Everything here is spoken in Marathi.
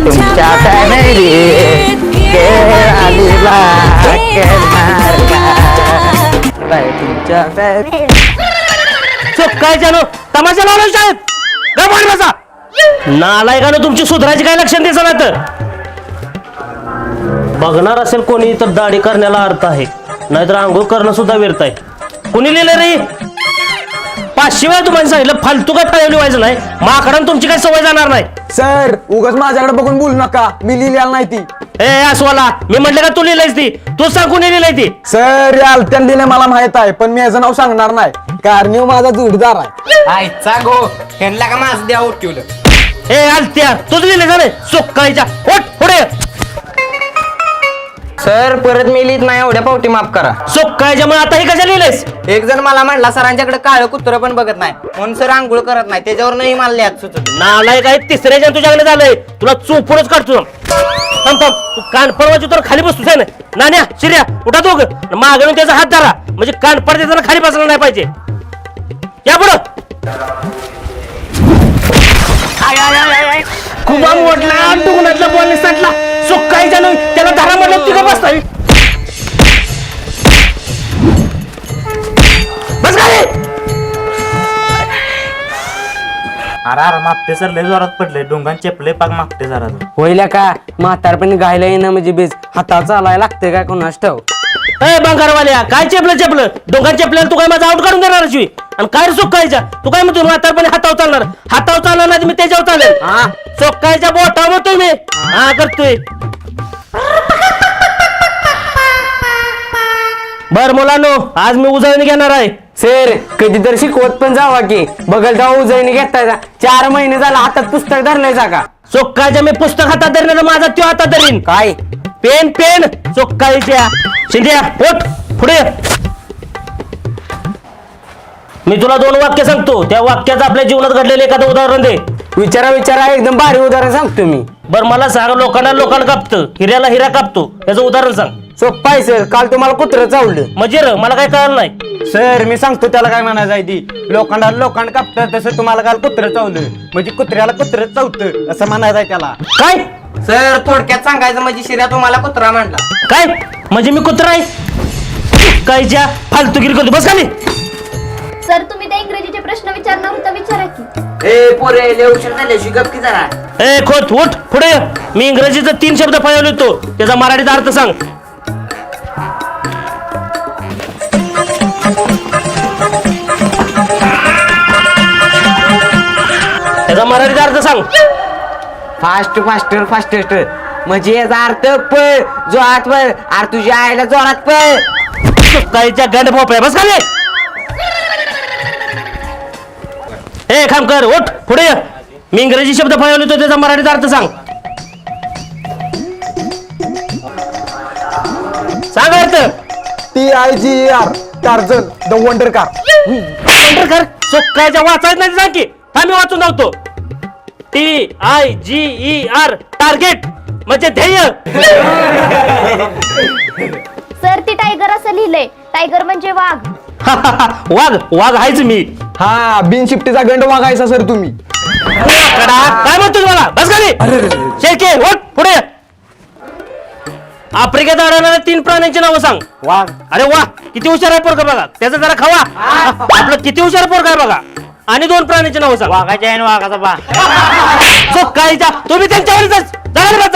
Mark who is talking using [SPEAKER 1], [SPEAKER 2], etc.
[SPEAKER 1] तुमच्या फॅमिलीत तुमच्या
[SPEAKER 2] काय जाणो तमाशा लावला शाळेत गप्प बसा. नालायकानं तुमची सुधारायची काय लक्षण द्यायचं नाही तर बघणार असेल कोणी तर दाढी करण्याला अर्थ आहे, नाहीतर आंघोळ करणं सुद्धा व्यर्थ आहे. कोणी लिहिलं रे? 500 वेळा तुम्हाला सांगितलं फालतू काय टाळवली व्हायचं नाही. माकडानं तुमची काही सवय जाणार नाही.
[SPEAKER 3] सर उगाच माझ्याकडे बघून बोलू नका, मी लिहिलेला नाही ती.
[SPEAKER 2] ए अस्वाला, मी म्हटलं का तू लिहिलंयस ती? तू सांग कोणी लिहिलंय ती?
[SPEAKER 3] सर या आलत्यान लिहिले मला माहित आहे, पण मी याचं नाव सांगणार नाही कारण माझा जोडीदार आहे.
[SPEAKER 4] आयचा गो ह्यांना का माझं द्या उठवलं.
[SPEAKER 2] ए आलत्या, तुझं लिहिलंय का रे? सोक्काळीच्या ओठ पुढे.
[SPEAKER 4] सर परत मी लिहित नाही, एवढ्या पावटी माफ करा.
[SPEAKER 2] सोक्काळीच्या मग आता हे कशा लिहिलंयस?
[SPEAKER 4] एक जण मला म्हणला सरांच्याकडे काळं कुत्र पण बघत नाही म्हणून सर आंघोळ करत नाही, त्याच्यावर नाही मला लिहायचं सुचत.
[SPEAKER 2] नालायक आहे, तिसऱ्याच्या तुझ्याकडे झालंय. तुला चोपूनच काढतो. थांब थांब, तू कान पडवायची तर खाली बसतोस आहे ना. नाण्या शिर्या उठा दोघ, मागून त्याचा हात धरा म्हणजे कान पड देताना खाली बसला नाही पाहिजे. या पुढं. खूप मोठला डुगनातला बॉल सांटला. सुकायच्या नाही त्याला धरा म्हटलं तिघं बसताय. बस खाली.
[SPEAKER 5] अरे मागते सर लय जोरात पडले, डोंगान चेपले पाक मागते जरा.
[SPEAKER 6] होईल का म्हातारपणी गायला येणं म्हणजे बेस हातावर चालायला लागते काय कोणास ठाव.
[SPEAKER 2] ए बंगारवाल्या, काय चेपलं डोंगर चेपल्याला तू काय माझा आउट काढून देणार शिवी? आणि काय सुकायच्या तू काय म्हणतो म्हातारपणी हातावर चालणार नाही, मी त्याच्यावर चालेल. चोक्कायच्या बोटा म्हणतोय मी. हा करतोय. बर मुलांनो, आज मी उजळणी घेणार आहे.
[SPEAKER 6] सर कधीतरी शिकवत पण जावा की बघल जाऊ उजळणी घेताय. 4 महिने झाला हातात पुस्तक धरलंय जागा.
[SPEAKER 2] चोक्कायच्या मी पुस्तक हातात धरणार, माझा त्यो हातात धरीन.
[SPEAKER 6] काय
[SPEAKER 2] पेन चोक्कायच्या. शिंद्या पोट पुढे. मी तुला 2 वाक्य सांगतो, त्या वाक्याचं आपल्या जीवनात घडलेलं एखादं उदाहरण दे.
[SPEAKER 6] विचारा एकदम भारी उदाहरण सांगतो मी.
[SPEAKER 2] बर मला सांग, लोकांना कापतं, हिऱ्याला हिरा कापतो, याचं उदाहरण सांग.
[SPEAKER 6] सोप्पा आहे सर, काल तुम्हाला कुत्रं चावलं.
[SPEAKER 2] म्हणजे मला काय कळलं नाही.
[SPEAKER 3] सर मी सांगतो त्याला काय म्हणायचं आहे ती. लोखंड कापतं तसं तुम्हाला काल कुत्रं चावलं म्हणजे कुत्र्याला कुत्रं चावतं असं म्हणायचं आहे त्याला.
[SPEAKER 2] काय
[SPEAKER 4] सर थोडक्यात सांगायचं म्हणजे शिर्या तुम्हाला कुत्रा म्हणला.
[SPEAKER 2] काय म्हणजे मी कुत्रा आहे? कायच्या फालतूगिरी करतो. बस खाली.
[SPEAKER 7] सर तुम्ही त्या इंग्रजीचे प्रश्न विचारणार होता, विचारा की.
[SPEAKER 2] ए खोत उठ पुढे. मी इंग्रजीचं 3 शब्द फळवले होतो, त्याचा मराठीचा अर्थ सांग. त्याचा मराठीचा अर्थ सांग.
[SPEAKER 6] फास्टेस्ट म्हणजे याचा अर्थ पळ जोरात पळ. अरे तुझ्या आईला जोरात पळ.
[SPEAKER 2] काहीच्या गंड भोपळ्या. बस खाली. ए खामकर उठ पुढे. मी इंग्रजी शब्द फळवले होतो, त्याचा मराठीचा अर्थ सांग. सांग अर्थ.
[SPEAKER 3] TIGER Tarzan the wonder car.
[SPEAKER 2] कर सोक्कायच्या वाचायचं नाही सांग की. आम्ही वाचून धावतो. TIGER टार्गेट म्हणजे ध्येय.
[SPEAKER 7] सर ती टायगर असं लिहिलंय, टायगर म्हणजे वाघ.
[SPEAKER 2] वाघ आहेच मी.
[SPEAKER 3] हा बिनशिफ्टीचा गंड वागायचा सर तुम्ही.
[SPEAKER 2] काय म्हणतो तुम्हाला? बस खाली. शेळके उठ पुढे. आफ्रिकेत आढळणाऱ्या 3 प्राण्यांची नावं सांग.
[SPEAKER 6] वाघ.
[SPEAKER 2] अरे वा, किती हुशार आहे पोरगा बघा. त्याचा जरा खावा. आपलं किती हुशार पोरगा आहे बघा. आणि 2 प्राण्यांची नावं सांग.
[SPEAKER 5] वाघाच्या आहे वाघाचा बा.
[SPEAKER 2] काहीच्या तुम्ही त्यांच्यावर